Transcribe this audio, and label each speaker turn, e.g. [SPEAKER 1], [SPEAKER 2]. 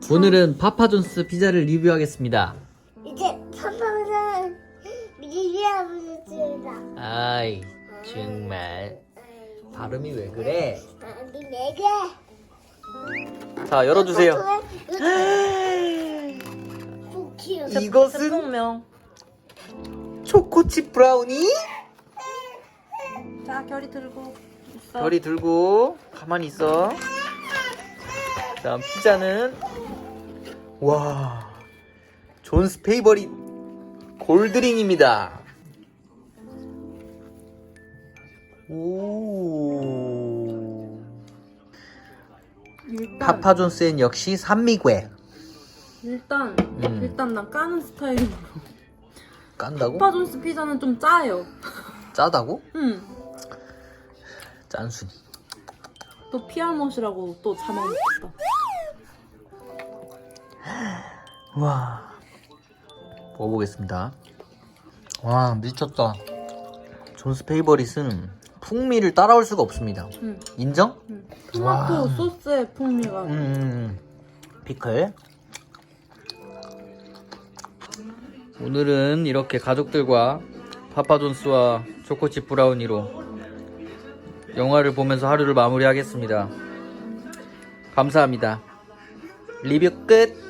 [SPEAKER 1] 오늘은 파파존스 피자를 리뷰하겠습니다.
[SPEAKER 2] 이제 파파는 미리비아부르트다.
[SPEAKER 1] 아이 정말 발음이 왜 그래?
[SPEAKER 2] 아니 내게.
[SPEAKER 1] 자, 열어주세요. 이것은
[SPEAKER 3] 제품명.
[SPEAKER 1] 초코칩 브라우니?
[SPEAKER 3] 자, 결이 들고 있어.
[SPEAKER 1] 별이 들고 가만히 있어. 다음 피자는 와, 존스 페이버릿 골드링입니다. 오. 파파존스엔 역시 산미괴.
[SPEAKER 3] 일단 난 까는 스타일이고.
[SPEAKER 1] 깐다고?
[SPEAKER 3] 파파존스 피자는 좀 짜요.
[SPEAKER 1] 짜다고?
[SPEAKER 3] 응.
[SPEAKER 1] 짠순이.
[SPEAKER 3] 또 피알못이라고 또 자막했다.
[SPEAKER 1] 와, 먹어보겠습니다. 와, 미쳤다. 존스 페이버릿은 풍미를 따라올 수가 없습니다.
[SPEAKER 3] 응.
[SPEAKER 1] 인정?
[SPEAKER 3] 응. 토마토
[SPEAKER 1] 와.
[SPEAKER 3] 소스의 풍미가.
[SPEAKER 1] 피클. 오늘은 이렇게 가족들과 파파존스와 초코칩 브라우니로 영화를 보면서 하루를 마무리하겠습니다. 감사합니다. 리뷰 끝.